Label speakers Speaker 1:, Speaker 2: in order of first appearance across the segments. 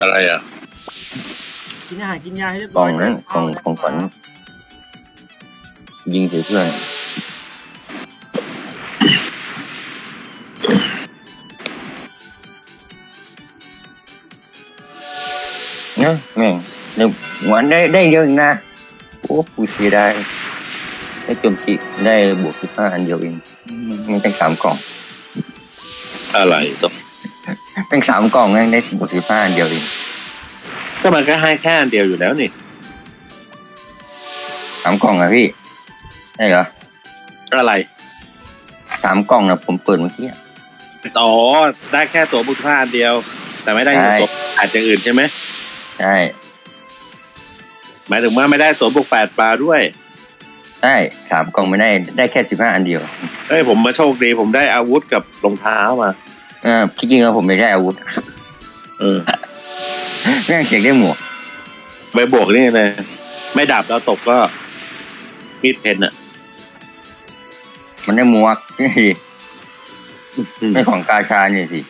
Speaker 1: อะไรอ่ะ
Speaker 2: กินอาหารกินยาให้เรียบ
Speaker 3: ก
Speaker 2: ร้
Speaker 3: ล่
Speaker 2: อ
Speaker 3: อย งนั้นกล่องขวัญยิงใส่เพื่อนนะแม่งหนึ่งวันได้เยอะอีกนะโอ้กูเสียดายได้โจมตีได้บวก15 อันเดียวเองมันตั้ง3 กล่อง
Speaker 1: อะไรตัว
Speaker 3: ตั้ง3 กล่องได้บวก15 อันเดียวเอง
Speaker 1: ก็มันก็ให้แค่อันเดียวอยู่แล้วนี่
Speaker 3: 3 กล่องอะพี่ใช่เหรอ
Speaker 1: อะไร
Speaker 3: 3 กล่องนะผมเปิดเมื่อกี้
Speaker 1: อ๋อได้แค่ตัวบุคคลอันเดียว แต่ไม่ได้
Speaker 3: ใช่
Speaker 1: ตัวอาจจะอื่นใช่ไหม
Speaker 3: ใช่
Speaker 1: หมายถึงว่าไม่ได้ตัวบุก8 ปลาด้วย
Speaker 3: ใช่3 กล่องไม่ได้แค่15 อันเดียว
Speaker 1: เฮ้ยผมมาโชคดีผมได้อาวุธกับรองเท้ามา
Speaker 3: จริงๆแล้วผมไม่ได้อาวุธ
Speaker 1: เออ
Speaker 3: แม่งเสียงได้หมวก
Speaker 1: ไปบวกนี่เลยไม่ดับแล้วตกก็มีดเพนอ่ะ
Speaker 3: มันได้หมวกนี่สิไม่ของกาชานี่สิ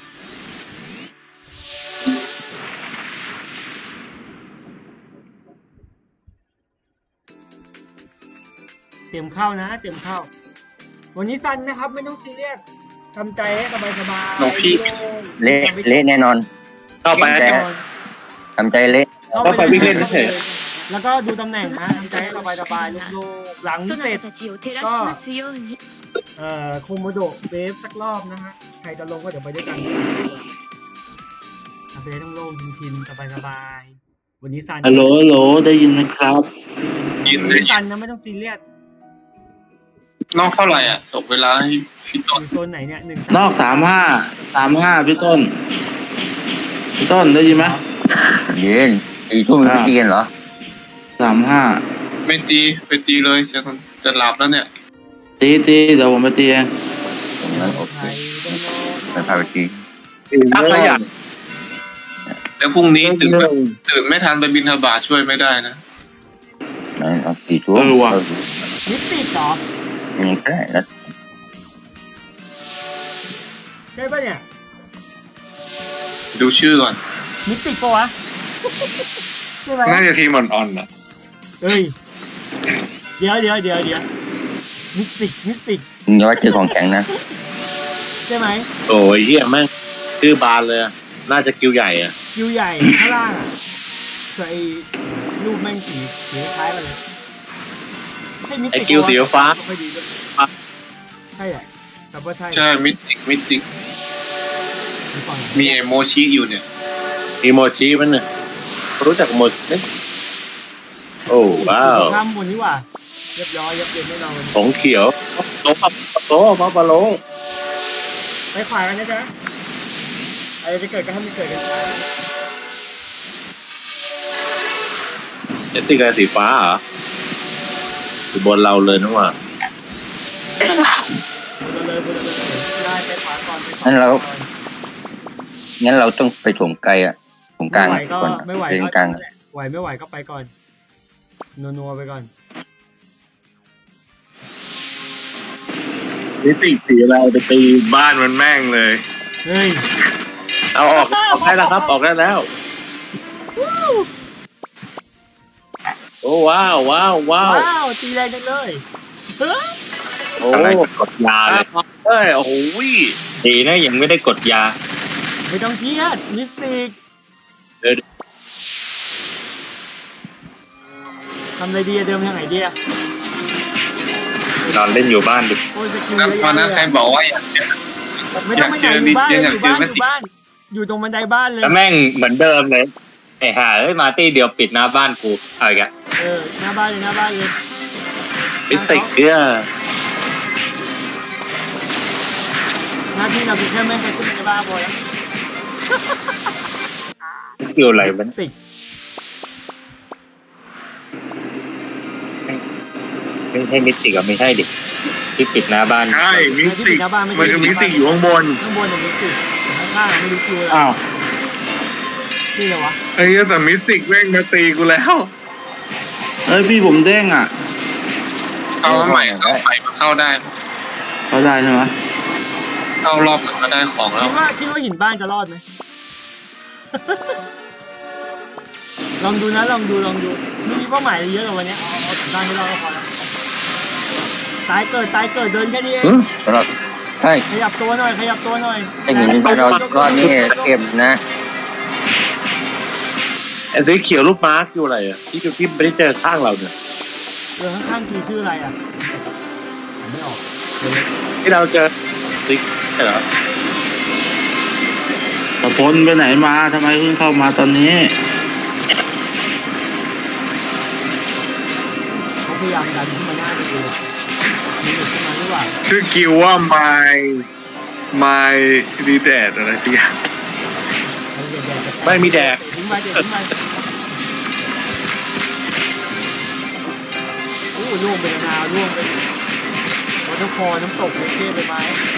Speaker 2: เตรียมเข้านะเตรียมเข้า วันนี้ซันนะครับไม่ต้องซีเรียสทำใจให้สบายๆ
Speaker 4: หลวงพี่
Speaker 3: เละแน่นอน
Speaker 1: เข้าไป
Speaker 3: แต่ ทำใจเละ
Speaker 1: ก็ไปวิ่งเล่นเฉย
Speaker 2: แล้วก็ดูตำแหน่งนะทำใจให้สบายๆโล่งๆหลัง
Speaker 5: そ
Speaker 2: เสร็
Speaker 5: な
Speaker 2: จ
Speaker 5: たたちを照らしますように。
Speaker 2: โคโมโดะเวฟสักรอบนะฮะใครจะลงก็เดี๋ยวไปด้วยกันทำไปได้ต้องโล่งชินๆสบายๆวันนี้ซัน
Speaker 4: ฮัลโหลฮัลโหลได้ยินไหมครับ
Speaker 2: วันนี้ซันนะไม่ต้องซีเรียส
Speaker 4: นอกเท่าไหร่อ่ะส่งเวลาให้พี่
Speaker 2: อ
Speaker 4: ต้น
Speaker 2: ยู่โซนไหนเนี่ยหนึ่ง
Speaker 4: นอก35พี่ต้นได้ยินไหม
Speaker 3: เย็น4 ทุ่มไม่ตีกันเหรอ
Speaker 4: 35
Speaker 6: ไม่ตีไปตีเลยจะหลับแล้วเนี่ย
Speaker 4: ตีเดี๋ยวผมไปตีเอง
Speaker 3: ตรงนั้นโอเค
Speaker 2: ไทยต้องโล่ง
Speaker 3: ไปพาไปตี
Speaker 1: ถ้าขยัน
Speaker 6: แล้วพรุ่งนี้ตื่นไม่ทันไปบินทบาทช่วยไม่ได้นะ
Speaker 3: นั่นเอา4 ทุ่ม
Speaker 2: มิสติกเหรอ
Speaker 3: ยังได้แล้ว
Speaker 2: ใช่ปะเนี่ย
Speaker 6: ดูชื่อก่อน
Speaker 2: มิสติกปะวะใช่ไหม
Speaker 6: น่าจะทีมอ่อนๆอ่ะ
Speaker 2: เอ้ยเดี๋ยวมิสติก
Speaker 3: มึงอย่าว่าเจอของแข็งนะ
Speaker 2: ใช่ไหม
Speaker 1: โอ้ยเหี้ยแม่งชื่อบานเลยอะน่าจะคิวใหญ่อ่ะ
Speaker 2: คิวใหญ่ข้างล่างอ่ะคือไอ้รูปแม่งสีคล้ายกันเลยใช่มิส
Speaker 1: ไอ
Speaker 2: ติก
Speaker 1: คิวสีฟ้า
Speaker 2: ไม่ดีเลยใช่แหละแต่ว่าใช่
Speaker 6: ใช่มิติก
Speaker 2: มีฝั่ง
Speaker 6: มีเอโมชิอยู่เนี่ย
Speaker 1: อีโมจิมันเนี่ยรู้จักโมจิไหมโอ้ว้าว
Speaker 2: ข้ามบนนี่หว่าเรียบร้อยยับเยินไม่นอน
Speaker 1: ของเขียวโตมาปาโล
Speaker 2: ไปขวากันนะจ๊ะอะไรจะเกิดก็ทำให้เกิดกันช้า
Speaker 1: เจ็ตติกาสีฟ้าเหรออยู่บนเราเลยนะว่า
Speaker 2: บนเลยได้ไปขวาก่อนไปขวา
Speaker 3: งั้นเรา
Speaker 2: ก่อน
Speaker 3: งั้นเราต้องไปถมไกลอะถมกลาง
Speaker 2: ไม่ไหวก็
Speaker 3: ก่อน
Speaker 2: ไม่ไหว
Speaker 3: เล่น
Speaker 2: ก็
Speaker 3: กลาง
Speaker 2: ไหวไม่ไหวก็ไปก่อนนัวๆไปก่อน
Speaker 6: มิติกสีอะไรไปตีบ้านมันแม่งเลย
Speaker 2: เฮ้ย
Speaker 1: เอาออกได้แล้วครับออกได้แล้วโอ้ว้าว
Speaker 2: ตีแรงจังเลยเฮ้ย
Speaker 1: โอ้กดยาเลยเฮ้ยโอ้โห
Speaker 7: ดีนะยังไม่ได้กดยา
Speaker 2: ไม่ต้องเครียดมิสติกทำอะไรดีอะเดิมทางไหนดีอะ
Speaker 7: นอนเล่นอยู่บ้านดิ
Speaker 2: โอ้ยสกิล
Speaker 6: แล้ว
Speaker 2: เยอะ
Speaker 6: ตอน
Speaker 2: แยะ
Speaker 6: นั้น
Speaker 2: เล
Speaker 6: ใคร
Speaker 2: ย
Speaker 6: บอกว่าอยากเจอ
Speaker 2: ไม่ต้องไปไหนอยู่บ้าน
Speaker 6: อยากเจอ
Speaker 2: อยู่บ้านอยู่ตรงบันไดบ้านเลย
Speaker 7: แล้วแม่งเหมือนเดิมเลยไอ้ห่าเอ้ยมาตี้เดียวปิดหน้าบ้านกูเอาอีกอะ
Speaker 2: หน้าบ้านเลย
Speaker 1: มิสติกเนี่ย
Speaker 2: หน้าที่เราคือแค่ไม่ให้ขึ้นในบ้านพอแล้ว
Speaker 7: เกี่ยวอะไรมัน
Speaker 2: ติก
Speaker 7: ไม่ใช่มิติกับไม่ใช่ดิที่ปิดหน้าบ้าน
Speaker 6: ใช่มิ
Speaker 2: ที่
Speaker 6: ติ
Speaker 2: ปิ
Speaker 6: ก
Speaker 2: ดหน้าบ้านไม่
Speaker 6: มันคือมิติกอยู่ข้างบน
Speaker 2: ข้างบนมิสติกข้างๆไม่รู้คิวเลย
Speaker 4: อ้าว
Speaker 2: นี่เลยวะ
Speaker 6: ไอ้เหี้ยแต่มิติกแม่งมาตีกูแล้ว
Speaker 4: เอ้ยพี่ผมเด้งอ่ะ
Speaker 6: เอาใหม่เข้าใหม่มาเข้าได้
Speaker 4: เขาได้ใช่ไหม
Speaker 6: เข้ารอบหนึ่งก็ได้ของแล้ว
Speaker 2: คิดว่าหินบ้านจะรอดไหมลองดูนะลองดูไม่มีเป้าหมายอะไรเยอะหรอกวันเนี้ยเอาถึงบ้านให้เราก็พอแล้วตายเกิดเดินแค่นี้เอง
Speaker 3: สำหรับใช่
Speaker 2: ขยับตัวหน่อย
Speaker 3: ไอ้หินเราก้อนนี้เก็บนะ
Speaker 1: ไอ้สีเขียวรูปมาร์กอยู่อะไรอ่ะที่ไม่ได้เจอข้างเราเนี่ย
Speaker 2: ข้างๆชื่ออะไรอ่ะไม่ออก
Speaker 1: ที่เราเจอสีใช่เหรอ
Speaker 4: ตะพลไปไหนมาทำไมเพิ่งเข้ามาตอนนี้
Speaker 2: เขาพยายามดันขึ้นมาหน้าดูมีหลุดขึ้นมาหรือเปล่า
Speaker 6: ชื่อกิวว่าไมดีแดดอะไรสักอย่าง
Speaker 1: ไม่มีแดก
Speaker 2: ทิ้งไปโอ้ล่วงไปนาวล่วงไปวอเตอร์ฟอลน้ำตกเลยเท่ไปไหม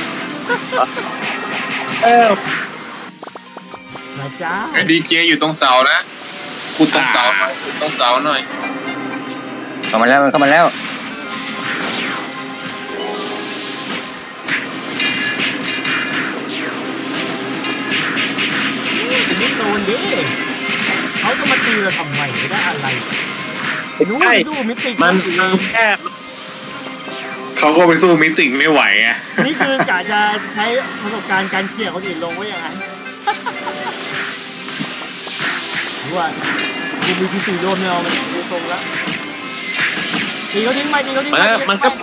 Speaker 2: มาจ้า
Speaker 6: ไอ้ดีเจอยู่ตรงเสานะขุดตรงเสาหน่อยขุดตรงเสาหน่อย
Speaker 3: เข้ามาแล้ว
Speaker 2: ไม่โดนดิเขาจะมาตีเราทำไมไม่ได้อะไรนู้นดูมิติ
Speaker 1: มันแค่
Speaker 6: เขาก็ไปสู้มิติไม่ไหวไง
Speaker 2: นี่คือกะจะใช้ประสบการณ์การเขี่ยคนอื่นลงไว้ยังไงรู้ว่าดูมีทีสี่รวมเนี่ยมันดูตรงแล้วตีเขาทิ้งไป
Speaker 1: มันก็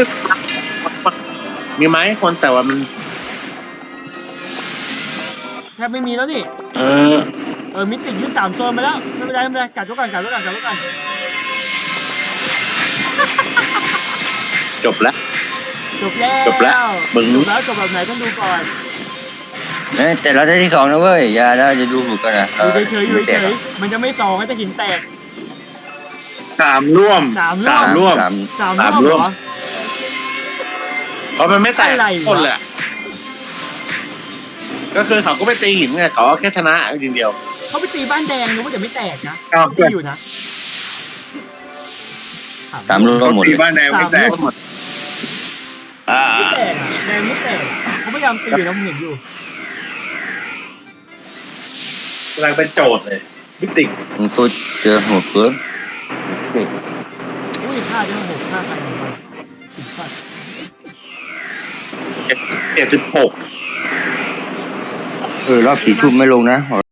Speaker 1: มีไหมคนแต่ว่ามัน
Speaker 2: แทบไม่มีแล้วนี่ มิติยึด3 โซนไปแล้วไม่เป็นไรกัดไว้ก่อน
Speaker 1: จบแล้ว
Speaker 2: จบแล้ว
Speaker 1: จบแล้วมึง
Speaker 2: จบแบบไหนต้องดูก่อน
Speaker 3: แต่เราได้ที่2นะเว้ยอย่าเราจะดูถูกกันนะ
Speaker 2: อยู่เฉยมันจะไม่ต่อก็จะหินแตก
Speaker 6: 3 ร่วม
Speaker 2: 3 ร่วม
Speaker 1: 3
Speaker 2: เหรอ
Speaker 1: เพราะมันไม่แตก
Speaker 2: อะไรวะ
Speaker 1: คนเลยก็คือเขาก็ไม่ตีหินไงเขาแค่ชนะทีเดียว
Speaker 2: เขาไปตีบ้านแดงนึกว่าจะไม่แตกนะ
Speaker 6: ครับ
Speaker 2: ตีอยู่นะ
Speaker 3: 3 รูปก็หมด
Speaker 6: ตี
Speaker 3: เลย
Speaker 6: บ้านแดงไม่แตก
Speaker 2: ไม่แตกแดงไม่แตกเขาพยายามตีอยู่นะผมเห็นอยู่
Speaker 1: กำลังเป็นโจทย์เลยมิติ
Speaker 3: มันตัวเจอหัวเกิน
Speaker 2: อุ้ยฆ่าได้6ฆ่าใครหนึ่งคนถึงสัตว์
Speaker 1: 76
Speaker 3: รอบ4 ทุ่มไม่ลงนะ